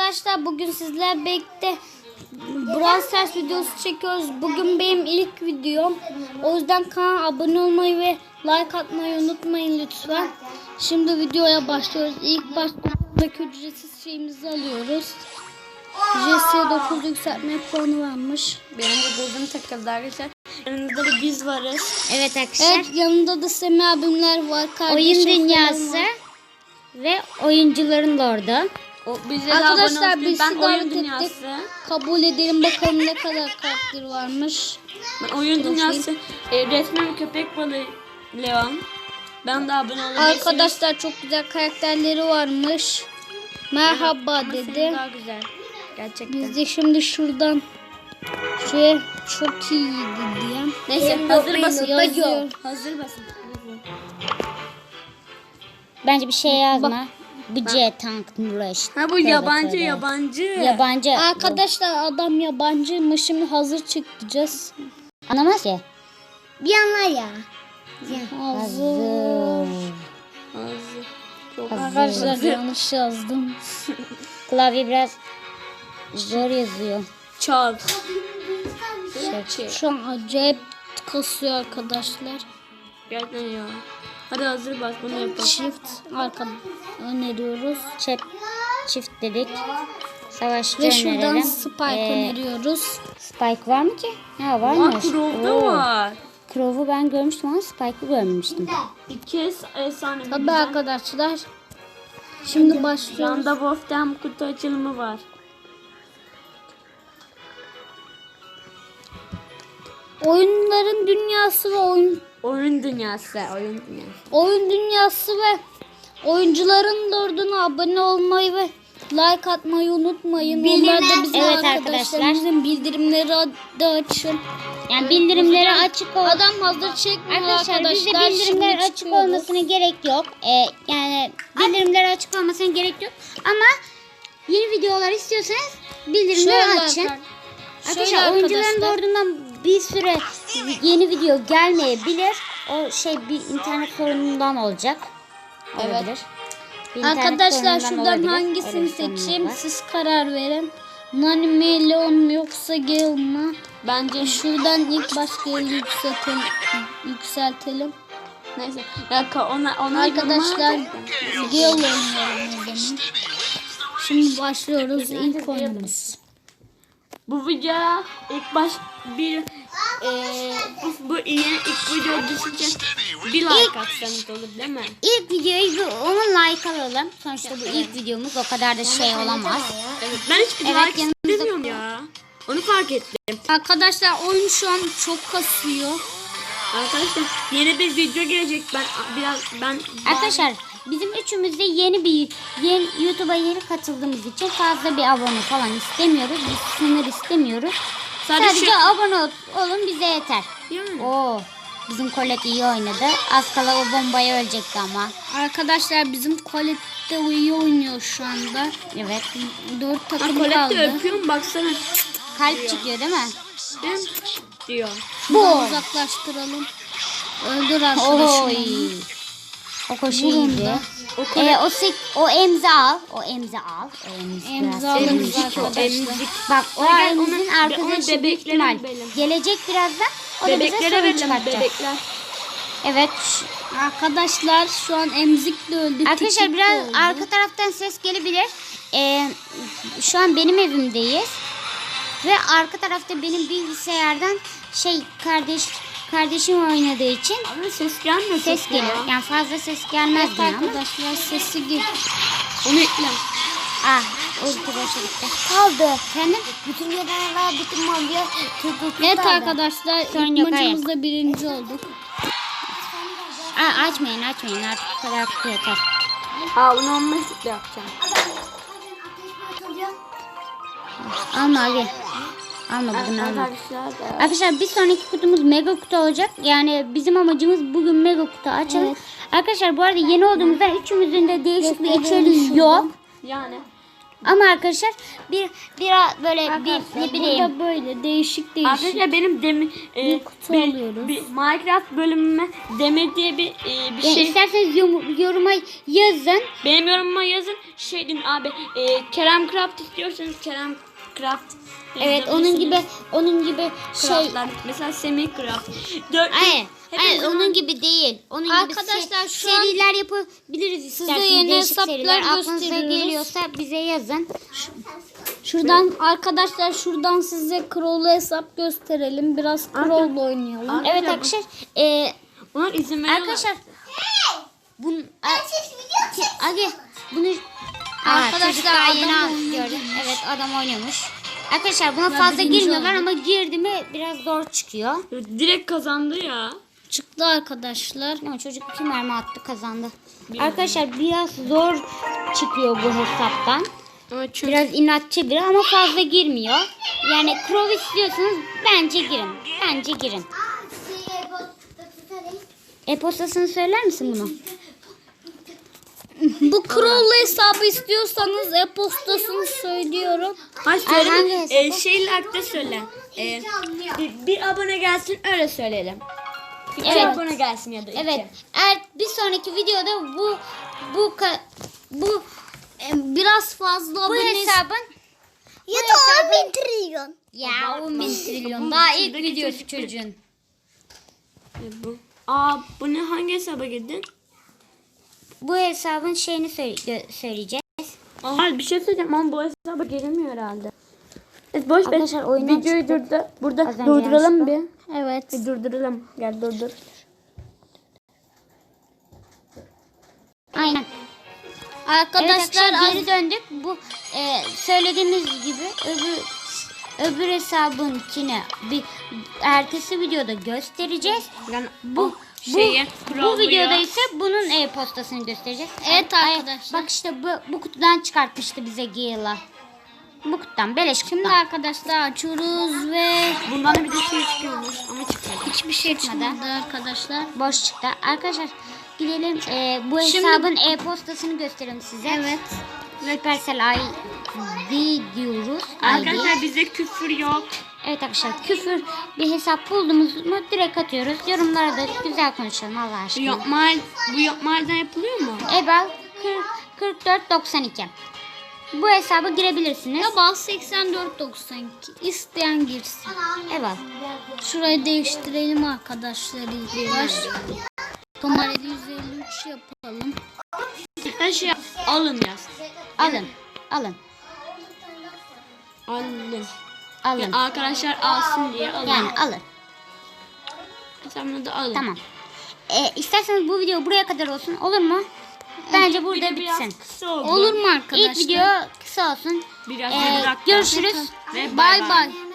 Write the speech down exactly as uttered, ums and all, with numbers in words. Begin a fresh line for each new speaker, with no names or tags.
arkadaşlar, bugün sizlerle birlikte Brawl Stars videosu çekiyoruz. Bugün benim ilk videom. O yüzden kanala abone olmayı ve like atmayı unutmayın lütfen. Şimdi videoya başlıyoruz. İlk baştaki ücretsiz şeyimizi alıyoruz. J C dokuz yükseltme puanı varmış.
Benim de gözüm takıldı arkadaşlar. Yanımızda da biz varız.
Evet arkadaşlar.
Evet, yanında da Semih abimler var.
Oyun dünyası ve oyuncuların lordu.
O bize
Arkadaşlar biz
ben
sizi
oyun
davet
dünyası.
ettik. Kabul edelim bakalım ne kadar karakter varmış.
Ben oyun dünyası. E, resmen köpek balığı Leon. Ben de abone olabilirsiniz.
Arkadaşlar çok güzel karakterleri varmış. Merhaba
Ama
dedi.
senin daha güzel. Gerçekten.
Biz de şimdi şuradan şey çok iyiydi diye.
Neyse hazır basın.
Yazıyor.
Hazır basın.
Bence bir şey yazma. Bu C tank Nuraş.
Ha bu
Tövbe
yabancı
tövbe.
yabancı.
Yabancı.
Arkadaşlar adam yabancıymış, şimdi hazır çıkacağız.
Anlamaz ki.
Bir anlar ya. Hazır.
Hazır.
Hazır. Çok
Hazır.
Arkadaşlar yanlış yazdım.
Klavye biraz zor yazıyor.
Çal.
Şey.
Şu an acayip kasıyor arkadaşlar.
Gerçekten ya. Hadi hazır bas bunu yapalım.
Çift arka öneriyoruz.
Çep, çift dedik. Savaşçı
Ve şuradan
önerelim.
Spike
Ee,
öneriyoruz.
Spike var mı ki? Ha
Aa
varmış.
Crow'da
Oo.
var.
Crow'u ben görmüştüm ama Spike'ı görmemiştim.
İki es- efsane. bir
Tabii
güzel.
arkadaşlar. Şimdi başlıyoruz.
Yanda Wolf'ten kutu açılımı var.
Oyunların dünyası ve oyun
Oyun dünyası. Oyun dünyası.
oyun dünyası ve oyuncuların lorduna abone olmayı ve like atmayı unutmayın. Onlar da bizim
Evet
arkadaşlarımızın bildirimleri de açın.
Yani bildirimleri açık ol.
Adam hazır çekmiyor
Arkadaşlar,
arkadaşlar.
bizde bildirimler
Şimdi
açık
çıkıyoruz.
olmasına gerek yok. Ee, yani bildirimler açık olmasına gerek yok. Ama yeni videolar istiyorsanız bildirimleri
Şöyle
açın.
arkadaşlar.
Arkadaşlar
Şöyle
oyuncuların
arkadaşlar.
ordundan bir süre yeni video gelmeyebilir. O şey bir internet sorunundan olacak.
Evet.
Olabilir. Bir internet
Arkadaşlar
sorunundan
şuradan
olabilir. Öyle
hangisini
bir sorunumuz
seçeyim?
var.
Siz karar verin. Nani mi, Leon mu yoksa Gale mı?
Bence
Şuradan ilk baş Gale'i yükseltelim. yükseltelim.
neyse. Ya ka- ona ona
Arkadaşlar
yorumlar-
Gale oynayalım o zaman. Şimdi başlıyoruz ilk oyunumuz.
Bu video ilk baş bir eee bu, bu yeni ilk video düşünce bir like atsanız olur değil mi?
İlk videoyu bir ona like alalım. Sonuçta bu ilk videomuz, o kadar da şey olamaz.
Evet, ben hiçbir
Evet,
like
yanımızda-
istemiyorum ya. Onu fark ettim.
Arkadaşlar oyun şu an çok kasıyor.
Arkadaşlar yeni bir video gelecek. Ben biraz ben
Arkadaşlar bizim üçümüz de yeni bir yeni YouTube'a yeni katıldığımız için fazla bir abone falan istemiyoruz. Biz sınır istemiyoruz.
Sadece
Sadece
şey-
abone ol- olun, bize yeter.
yani.
Oo, bizim Colette iyi oynadı. Az kala o bombaya ölecekti ama.
Arkadaşlar bizim Colette iyi oynuyor şu anda.
Evet.
Dört
Ha,
takım
Colette
kaldı.
öpüyorum baksana.
Kalp çıkıyor değil mi?
Değil mi? Diyor.
Bu.
Uzaklaştıralım. Öldür
Oy.
arkadaşım.
O koşu
Vurun
iyiydi.
da.
O
Ee, o sek o emzi al. O emzi al. O emzi
Emzi
biraz
alırız
sevmiş.
arkadaşlar.
Emzik.
Bak o
Gel, gel,
emzin
onu-
arkadaşı
onu
büyük
bebeklere
ihtimal
verelim.
gelecek birazdan. O da bize
Bebeklere
sorun
verelim
çıkartacak.
bebekler.
Evet.
Arkadaşlar şu an emzik de öldü.
Arkadaşlar
tikik de
biraz
öldü.
arka taraftan ses gelebilir. Ee, şu an benim evimdeyiz. Ve arka tarafta benim bilgisayardan şey kardeş kardeşim oynadığı için
Ama ses gelmiyor.
ses
ya.
geliyor. Yani fazla ses gelmez
Evet
diye ama.
arkadaşlar sesi gel.
Onu ekle.
Ah, ulti boşa gitti. Kaldı. Efendim? Bütün yaralar, bütün malya tuttu.
Evet arkadaşlar
Sorun
ilk
yok, hayır.
maçımızda birinci olduk.
Aa, açmayın açmayın artık bu kadar kutu yeter.
Ha onu on beş de yapacağım.
Alma Ali. Alma bugün alma.
Arkadaşlar da.
Arkadaşlar bir sonraki kutumuz mega kutu olacak. Yani bizim amacımız bugün mega kutu açalım.
Evet.
Arkadaşlar bu arada yeni olduğumuzda üçümüzün de değişik bir
Gösterelim
içeriği
şuradan.
yok.
Yani
Ama arkadaşlar bir bir böyle bir ne bileyim.
Burada böyle değişik değişik.
Arkadaşlar benim demi, e,
Bir kutu
bir,
alıyoruz.
bir Minecraft bölümüme Demir diye bir e, bir
Yani
şey.
isterseniz yorum- yoruma yazın.
Benim yorumuma yazın. Şey deyin abi, e, Kerem Craft istiyorsanız Kerem Craft.
Evet onun gibi onun gibi şey.
Craftlar. Mesela Semih Craft. Dört,
Hayır, hayır
hepimiz-
onun gibi değil. Onun
Arkadaşlar,
gibi se-
şu an
seriler yapabiliriz isterseniz.
yeni
Değişik
hesaplar
seriler. Aklınıza
gösteriyoruz.
geliyorsa bize yazın.
Şuradan arkadaşlar şuradan size Crow'lu hesap gösterelim. Biraz Crow'lu oynayalım.
Arkadaşlar,
Evet arkadaşlar. E,
Onlar izin veriyorlar.
arkadaşlar. Bun, Agi bunu
Arkadaşlar,
arkadaşlar daha yeni
adam
al-
oynuyor.
gördüm. Evet adam oynuyormuş. Arkadaşlar buna
Ya
fazla
birinci
girmiyorlar
olduk.
ama girdi mi biraz zor çıkıyor.
Direkt kazandı ya.
Çıktı arkadaşlar.
Ama çocuk iki mermi attı kazandı. Arkadaşlar biraz zor çıkıyor bu hesaptan.
Ama çünkü
Biraz inatçı biri ama fazla girmiyor. Yani Crow istiyorsanız bence girin. Bence girin. E-postasını söyler misin bunu?
Bu Crow'lu hesabı istiyorsanız e-postasını söylüyorum.
Hayır
Ay, hangi
söyle.
hesap
E,
o?
şeylerde söyle. E, bir, bir abone gelsin öyle söyleyelim. Bir
Evet.
abone gelsin ya da iki.
Evet. Eğer bir sonraki videoda bu bu ka- bu
E, Biraz fazla
bu
abone
hesabın
ya
da on
bin trilyon.
ya on bin trilyon
Bu
daha ilk
içindeki
videosu
çocuk-
çocuğun.
E, bu. Aa bu ne, hangi hesaba girdin?
Bu hesabın şeyini söyle- gö- söyleyeceğiz.
Aa bir şey söyleyeceğim ama bu hesaba girilmiyor herhalde. Evet, boş ver.
Arkadaşlar, oyundan
Videoyu
çıktık.
durdur. Burada
Az önce
durduralım bir.
yanlışlıkla.
Evet.
Bir durduralım. Gel durdur.
Aynen.
Arkadaşlar,
Arkadaşlar
az-
geri döndük. Bu e, söylediğimiz gibi öbür öbür hesabınkini bir ertesi videoda göstereceğiz.
Yani
Bu bu,
şeyi,
bu
Crow'luya-
videoda ise bunun e-postasını göstereceğiz.
Evet
Ay,
arkadaşlar.
bak işte bu, bu kutudan çıkartmıştı bize Gila. Bu kutudan beleş kutudan.
Şimdi arkadaşlar açıyoruz ve
bundan da bir de şey çıkıyormuş ama çıkmadı.
hiçbir şey
Çıkmadı.
çıkmadı arkadaşlar.
Boş çıktı. Arkadaşlar gidelim e, bu
Şimdi-
hesabın e-postasını göstereyim size.
Evet.
Supercell I D diyoruz. I D.
Arkadaşlar bizde küfür yok.
Evet arkadaşlar küfür bir hesap buldunuz mu direkt atıyoruz. Yorumlara da güzel konuşalım Allah
Bu
aşkına.
yapma, bu yapmalardan yapılıyor mu?
Ebal kırk dört doksan iki. Bu hesaba girebilirsiniz.
Ya bas seksen dört doksan iki. İsteyen girsin.
Ebal.
Şurayı değiştirelim arkadaşlar ilk baş. Kamerayı yüz elli üç yapalım.
Her şey alın yaz.
Alın. Alın.
Alın.
Alın.
Yani arkadaşlar alsın diye alın.
Yani alın.
Sen da alın.
Tamam. E, isterseniz bu video buraya kadar olsun. Olur mu? Bence
Bir
burada
de biraz
bitsin.
kısa oldu.
Olur mu arkadaşlar?
İlk video kısa olsun.
Biraz
Ee,
yirmi dakika.
görüşürüz.
Ve
Bay bay.